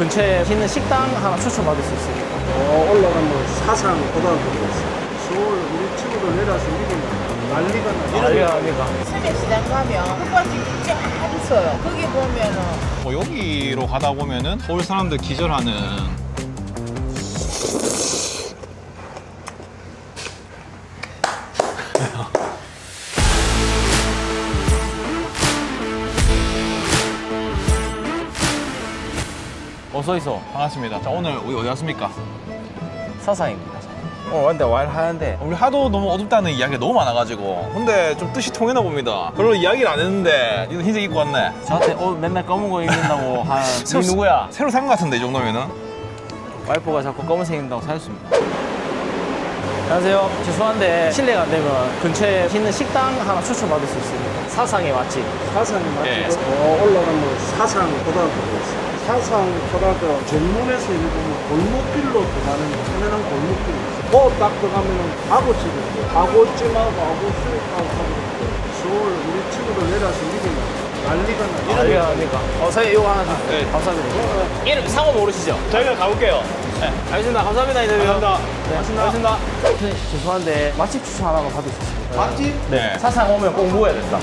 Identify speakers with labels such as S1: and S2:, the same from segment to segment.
S1: 근처에 있는 식당 하나 추천받을 수 있습니다.
S2: 올라가면 사상 고등학교가 있어요. 서울 우리 친구들 내려와서 이기면 난리가 나요.
S1: 알리가.
S3: 서대시장 가면 호박집이 쫙 있어요. 거기 보면은
S4: 뭐 여기로 가다 보면은 서울 사람들 기절하는
S1: 어서 있어.
S4: 반갑습니다. 자, 오늘 우리 어디 왔습니까?
S1: 사상입니다. 근데 말 하는데
S4: 우리 하도 너무 어둡다는 이야기가 너무 많아가지고 근데 좀 뜻이 통했나 봅니다. 별로 이야기를 안 했는데 니도 흰색 입고 왔네.
S1: 저한테 맨날 검은 거 입는다고 한 니 누구야?
S4: 새로 산 것 같은데 이 정도면은.
S1: 와이프가 자꾸 검은색 입는다고 사줬습니다. 안녕하세요. 죄송한데 실례가 안 되면 근처에 있는 식당 하나 추천받을 수 있습니다. 사상의 맛집.
S2: 사상이 맞고
S4: 예.
S2: 올라가면 사상 고등학교가 있어요. 사상 고등학교 정문에서 이렇게 보면 골목길로 들어가는 편안한 골목길이 있어요. 딱 들어가면 아구집이 있어요. 아구찜하고 아구수육하고 하고 있어요. 서울 우리 친구들 내려와서 이기면 난리가 나요.
S1: 알리가. 선생님 이거 하나 주세요.
S4: 네.
S1: 감사드립니다. 이름 상호 모르시죠?
S4: 저희가 가볼게요.
S1: 네. 알겠습니다. 감사합니다. 인터뷰.
S4: 감사합니다.
S1: 네. 알겠습니다. 선생님 죄송한데 맛집 추천 하나만 받을 수 있습니까?
S2: 맛집?
S4: 네.
S1: 사상 오면 꼭 먹어야 된다.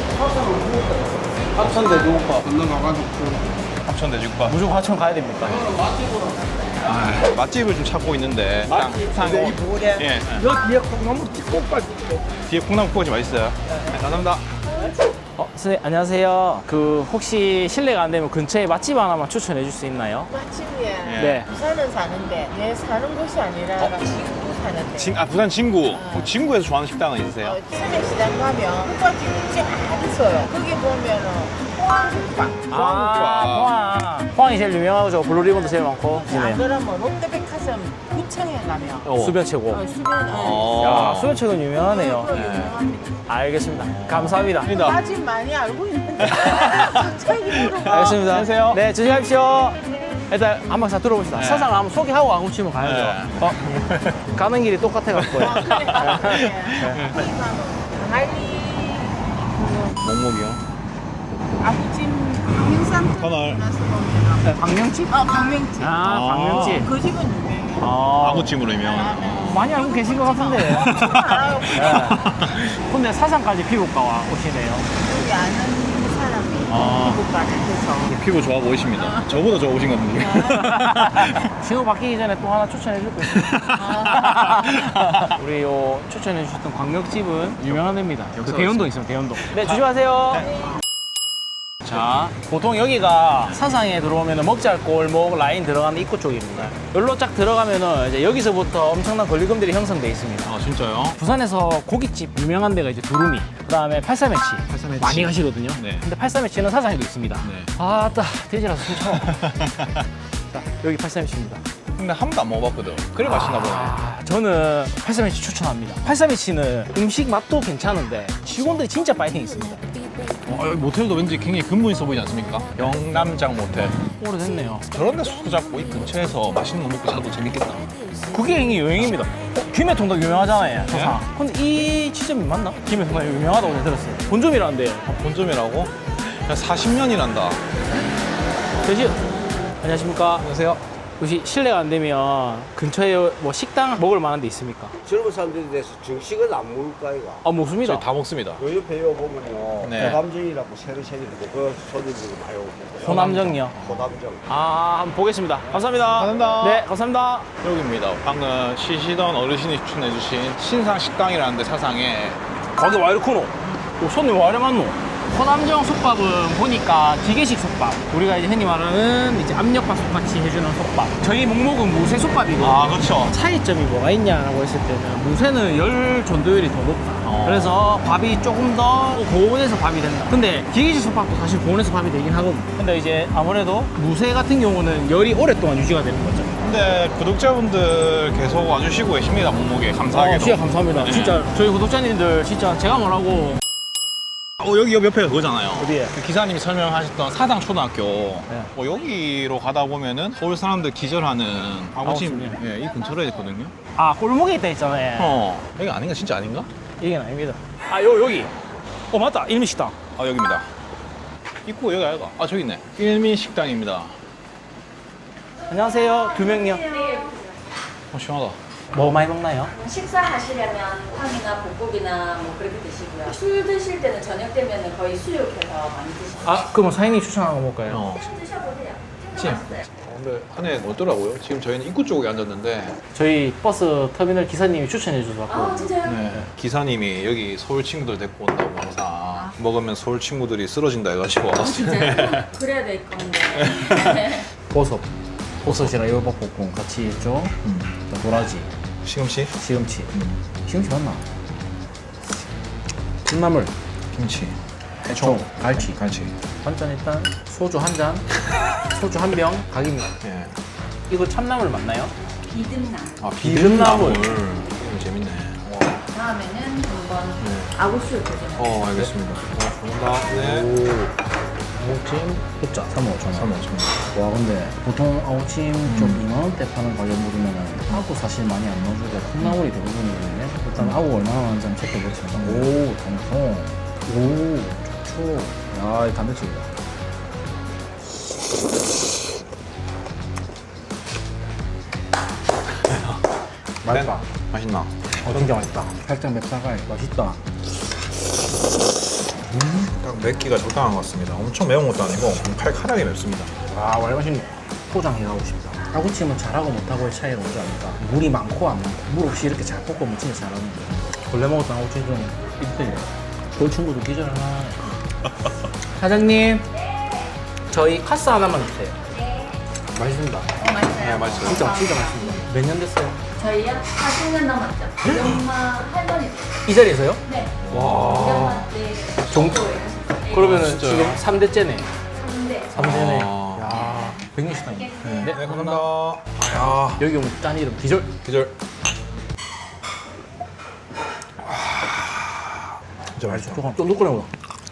S2: 합천대 좋은가 건너가가지고
S4: 합천 돼지국밥.
S1: 무조건 하천 가야 됩니까?
S4: 맛집을 좀 찾고 있는데. 상호.
S2: 이 부분에
S4: 예.
S2: 여 뒤에 콩나물 뒷국까지
S4: 뒤에 콩나물국이 맛있어요. 네, 감사합니다.
S1: 선생님 안녕하세요. 혹시 실례가 안 되면 근처에 맛집 하나만 추천해 줄 수 있나요?
S3: 맛집이야.
S1: 네.
S3: 부산은 사는데 내 사는 곳이 아니라 지구 사는데.
S4: 부산 진구. 진구에서 좋아하는 식당은 있으세요?
S3: 서대시장 가면 호박집이 쫙 있어요. 거기 보면은 포항국밥.
S1: 포항이 제일 유명하죠. 블루리본도 제일 많고.
S3: 안 그러면 롯데백화점 구청에 가면
S1: 수변 최고.
S3: 수변
S1: 야, 수변 최고는 유명하네요.
S3: 그거 유명합니다.
S1: 알겠습니다. 감사합니다.
S3: 맛집 많이 알고 있는데 갑자기 물어봐.
S1: 알겠습니다.
S4: 안녕하세요.
S1: 네, 조심하십시오. 일단 한 바퀴 다 들어봅시다.
S4: 네.
S1: 사상 한번 소개하고 가고 치면 가야죠.
S4: 네.
S1: 가는 길이 똑같아갖고요.
S3: 아, 그래. 강할리
S4: 목목이요.
S3: 아구찜 강명산
S4: 터널.
S1: 광명집?
S3: 강명집.
S1: 광명집.
S3: 그 집은 유명해요.
S4: 아구찜으로 유명한.
S1: 많이 알고 계신 것 같은데.
S3: 알아요.
S1: 근데 사상까지 피부과 오시네요.
S3: 여기 아는 사람이 미국 가게에서
S4: 피부 좋아 보이십니다. 저보다 좋아 보신 것 같은데.
S1: 신호 바뀌기 전에 또 하나 추천해 줄 거예요. 우리 요 추천해 주셨던 광명집은 유명한 데입니다. 그 대연동 있어요, 대연동. 네, 조심하세요. 자, 보통 여기가 사상에 들어오면 먹잘 골목 라인 들어가는 입구 쪽입니다. 여기로 쫙 들어가면은 이제 여기서부터 엄청난 권리금들이 형성돼 있습니다.
S4: 아 진짜요?
S1: 부산에서 고깃집 유명한 데가 이제 두루미, 그다음에 팔사매치 많이 가시거든요.
S4: 네.
S1: 근데 팔사매치는 사상에도 있습니다.
S4: 네.
S1: 아따 돼지라서 숨차워. 자, 여기 팔사매치입니다.
S4: 근데 한 번도 안 먹어봤거든. 그래 맛있나 보네.
S1: 저는 팔사매치 추천합니다. 팔사매치는 음식 맛도 괜찮은데 직원들이 진짜 파이팅 있습니다.
S4: 여기 모텔도 왠지 굉장히 근본 있어 보이지 않습니까? 영남장 모텔.
S1: 오래됐네요.
S4: 저런 데 숙소 잡고 이 근처에서 맛있는 거 먹고 자도 재밌겠다.
S1: 그게 행위 여행입니다. 김해통닭 유명하잖아요. 사상. 근데 이 지점이 맞나? 김해통닭 유명하다고 제가 들었어요. 본점이라는데.
S4: 본점이라고? 야 40년이란다.
S1: 대신 안녕하십니까?
S4: 안녕하세요.
S1: 혹시 실례가 안 되면 근처에 뭐 식당 먹을 만한 데 있습니까?
S2: 젊은 사람들에 대해서 정식은 안 먹을까 이가.
S1: 아, 먹습니다.
S4: 저희 다 먹습니다.
S2: 요 옆에 요 보면요
S4: 네.
S2: 호담정이라고 새로 생겼는데 그 손님들이 많이 오고
S1: 호남정이요.
S2: 호담정.
S1: 한번 보겠습니다. 감사합니다.
S4: 감사합니다.
S1: 네, 감사합니다.
S4: 여기입니다. 방금 쉬시던 어르신이 추천해주신 신상식당이라는 데 사상에
S1: 가게 와 이렇게 크노? 손님 와 이래 많노? 호남정 솥밥은 보니까 기계식 솥밥. 우리가 이제 흔히 말하는 이제 압력밥솥 같이 해주는 솥밥. 저희 목목은 무쇠 솥밥이거든요.
S4: 아 그렇죠.
S1: 차이점이 뭐가 있냐라고 했을 때는 무쇠는 열 전도율이 더 높다. 그래서 밥이 조금 더 고온에서 밥이 된다. 근데 기계식 솥밥도 사실 고온에서 밥이 되긴 하거든. 근데 이제 아무래도 무쇠 같은 경우는 열이 오랫동안 유지가 되는 거죠.
S4: 근데 구독자분들 계속 와주시고 계십니다. 목목에 감사하게도.
S1: 진짜 감사합니다.
S4: 네.
S1: 진짜 저희 구독자님들 진짜 제가 뭐라고
S4: 여기 옆에 그거잖아요.
S1: 어디에?
S4: 그 기사님이 설명하셨던 사당초등학교. 여기로 가다 보면은 서울 사람들 기절하는 아구찜
S1: 아구찜이요?
S4: 예, 이 근처로 있거든요.
S1: 골목에 있다 했잖아요.
S4: 여기 아닌가? 진짜 아닌가?
S1: 이게 아닙니다. 여기. 맞다. 일미식당.
S4: 여기입니다. 입구 여기 아이가? 저기 있네. 일민식당입니다.
S1: 안녕하세요. 2명요.
S4: 시원하다.
S1: 뭐 많이 먹나요?
S5: 식사하시려면 탕이나 볶음이나 뭐 그렇게 드시고요. 술 드실 때는 저녁 되면 거의 수육해서 많이 드시고.
S1: 아, 그럼 사장님 추천하는 거 먹을까요?
S5: 드셔도 돼요.
S4: 찜. 근데 안에 없더라고요. 지금 저희는 입구 쪽에 앉았는데
S1: 저희 버스 터미널 기사님이 추천해 주셔서 왔고.
S5: 아 진짜요?
S4: 네, 기사님이 여기 서울 친구들 데리고 온다고 항상 먹으면 서울 친구들이 쓰러진다 해가지고 와가지고
S5: 진짜요? 그래야 될 건데.
S1: 버섯이랑 열박볶음 같이 했죠. 도라지,
S4: 시금치,
S1: 시금치. 시금치 맞나? 콩나물,
S4: 김치,
S1: 총, 갈치.
S4: 갈치.
S1: 반찬 일단 소주 한 잔, 소주 한 병, 각입니다.
S4: 예.
S1: 이거 참나물 맞나요?
S5: 비듬나물.
S4: 아
S1: 비빔나물.
S4: 이거 재밌네. 와.
S5: 다음에는 한번
S4: 네.
S5: 아구수육 도전해볼게요.
S4: 알겠습니다. 고맙습니다. 네.
S1: 아구찜 후짜 35,000원.
S4: 35,000원.
S1: 와 근데 보통 아구찜 좀 2만원대 파는 가격 물으면은 아구 사실 많이 안 넣어주고 콩나물이 대부분이거든요. 일단 아구 얼마나 하는지 한번 체크해보자. 오 단통. 오 좋죠. 야 이 단백질이다. 맛있다.
S4: 맛있나?
S1: 진짜 맛있다. 살짝 맵다가 맛있다.
S4: 딱 맵기가 적당한 것 같습니다. 엄청 매운 것도 아니고 칼칼하게 맵습니다.
S1: 와, 원래 맛있네. 포장해가고 싶다. 아구찜은 잘하고 못하고의 차이가 오지 않을까. 물이 많고 안 많고. 물 없이 이렇게 잘 볶으면 진짜 잘하는 거야. 원래 먹었던 아구찜 좀 1등이야. 볼 친구도 기절하나. 사장님, 저희 카스 하나만 주세요. 맛있습니다.
S5: 맛있어요?
S4: 네, 맛있어요.
S1: 진짜 맛있습니다. 몇 년 됐어요?
S5: 저희요? 40년 넘었죠. 우리 엄마 할머니.
S1: 이 자리에서요?
S5: 네.
S1: 와.
S5: 엄마 때
S1: 종-
S5: 정도에
S1: 그러면은
S4: 진짜요?
S1: 지금 3대째네.
S5: 3대.
S1: 3대네.
S4: 아.
S1: 야, 160단이네.
S4: 네, 감사합니다. 아,
S1: 여기 오면 짠 이름 기절.
S4: 기절. 진짜 맛있어.
S1: 조금 쫀득거려.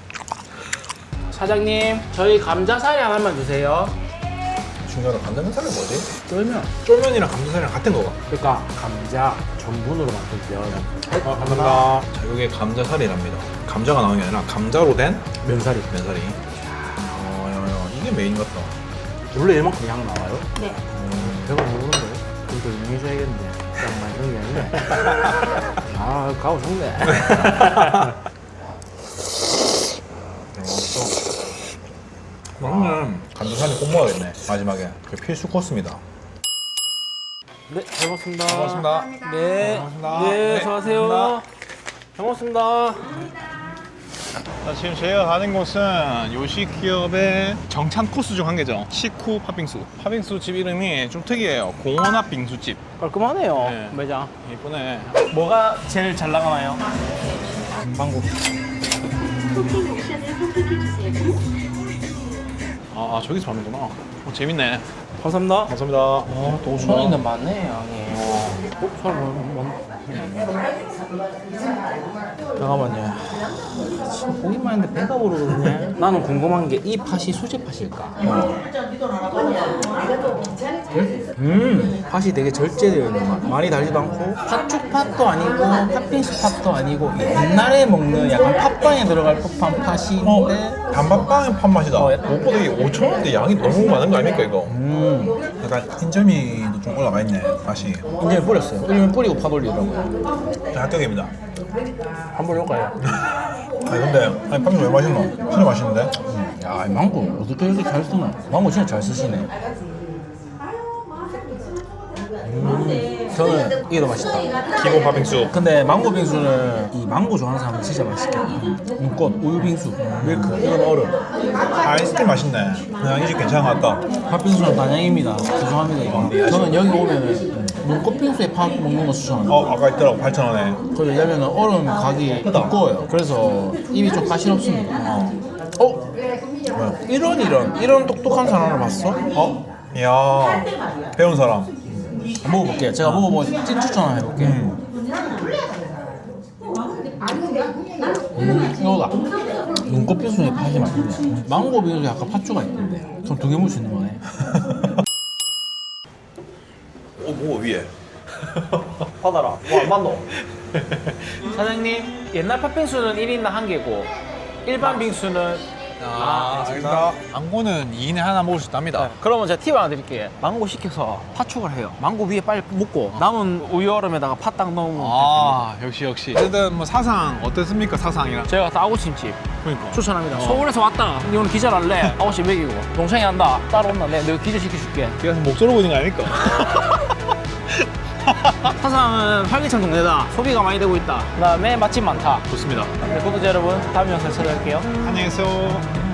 S1: 사장님, 저희 감자살이 하나만 주세요.
S4: 중간에 감자살이 뭐지?
S1: 쫄면.
S4: 쫄면이랑 감자살이랑 같은 거가?
S1: 그러니까 감자 전분으로 만든 면.
S4: 감사합니다. 자, 이게 감자살이랍니다. 감자가 나온 게 아니라 감자로 된
S1: 면사리.
S4: 면살이. 이게 메인 같다.
S1: 원래 이만큼 양 나와요?
S5: 네.
S1: 배가 모르는데. 그래도 유명해줘야겠는데. 양 많이 넣은 게 아니네. 아, 가오 좋네.
S4: 오늘 감자살이 꼭 먹어야겠네. 마지막에. 필수 코스입니다.
S1: 네, 잘 먹었습니다.
S4: 고맙습니다.
S1: 네.
S4: 고맙습니다.
S1: 네,
S4: 네,
S1: 수고하세요.
S4: 고맙습니다.
S1: 잘 먹었습니다.
S4: 자, 지금 저희가 가는 곳은 요식 기업의 정찬 코스 중 한 개죠. 식후 팥빙수. 팥빙수 집 이름이 좀 특이해요. 공원 앞 빙수집.
S1: 깔끔하네요,
S4: 네.
S1: 매장.
S4: 이쁘네.
S1: 뭐가 제일 잘 나가나요? 망고.
S4: 저기서 파는구나. 재밌네.
S1: 감사합니다.
S4: 감사합니다.
S1: 또 5,000원인데 많네, 양이. 잘 잠깐만요. 지금 보기만 했는데 배가 부르거든요. 나는 궁금한 게 이 팥이 수제 팥일까? 팥이 되게 절제되어 있는 맛. 많이 달지도 않고 팥죽 팥도 아니고 팥빙수 팥도 아니고 옛날에 먹는 약간 팥빵에 들어갈 법한 팥인데
S4: 단팥빵의 팥맛이다.
S1: 어,
S4: 무엇보다 이게 5,000원대 양이 너무 많은 거 아닙니까, 이거? 약간 인절미도 좀 올라가 있네, 맛이.
S1: 이제 뿌렸어요. 뿌리면 뿌리고 팥 올리더라고요.
S4: 자, 합격입니다.
S1: 한번 해볼까요?
S4: 근데, 팥빙수 왜 맛있노? 진짜 맛있는데?
S1: 야, 이 망고 어떻게 이렇게 잘 쓰나? 망고 진짜 잘 쓰시네. 저는 이게 더 맛있다.
S4: 기본 팥빙수.
S1: 근데 망고 빙수는 이 망고 좋아하는 사람은 진짜 맛있겠다. 눈꽃, 우유 빙수, 밀크, 이건 얼음.
S4: 아이스크림 맛있네. 그냥 이 집 괜찮은 것 같다.
S1: 팥빙수는 단양입니다. 죄송합니다 이거. 저는 여기 오면은 눈꽃 빙수에 팥 먹는 거 추천합니다.
S4: 아까 있더라고, 8,000원에.
S1: 그 왜냐면 얼음 각이 두꺼워요. 그래서 입이 좀 가시럽습니다. 이런 똑똑한 사람을 봤어?
S4: 이야, 배운 사람.
S1: 먹어볼게요. 제가 먹어보고 찐 추천 한번 해볼게요. 이거다. 눈꽃 빙수에 팥이 맛있네. 망고 빙수에 아까 팥주가 있던데. 그럼 두 개 먹을 수 있는 거네.
S4: 뭐 위에?
S1: 받아라. 와, 맞노? 사장님, 옛날 팥빙수는 1인당 1개고 일반 빙수는
S4: 알겠습니다. 망고는 2인에 하나 먹을 수 있답니다.
S1: 그러면 제가 팁 하나 드릴게요. 망고 시켜서 파축을 해요. 망고 위에 빨리 묻고 남은 우유 얼음에다가 파 딱 넣으면 됩니다.
S4: 아, 역시. 일단 뭐 사상 어떻습니까? 사상이랑.
S1: 제가 따고침집
S4: 그러니까.
S1: 추천합니다. 서울에서 왔다. 니 오늘 기절할래? 9시 먹이고 동생이 한다. 따라온다. 내가 기절시켜줄게.
S4: 그래서 목 조르고 있는 거 아닙니까?
S1: 사상은 활기찬 동네다. 소비가 많이 되고 있다. 그다음에 맛집 많다.
S4: 좋습니다.
S1: 네, 구독자 여러분, 다음 영상에서 찾아뵐게요.
S4: 안녕히 계세요.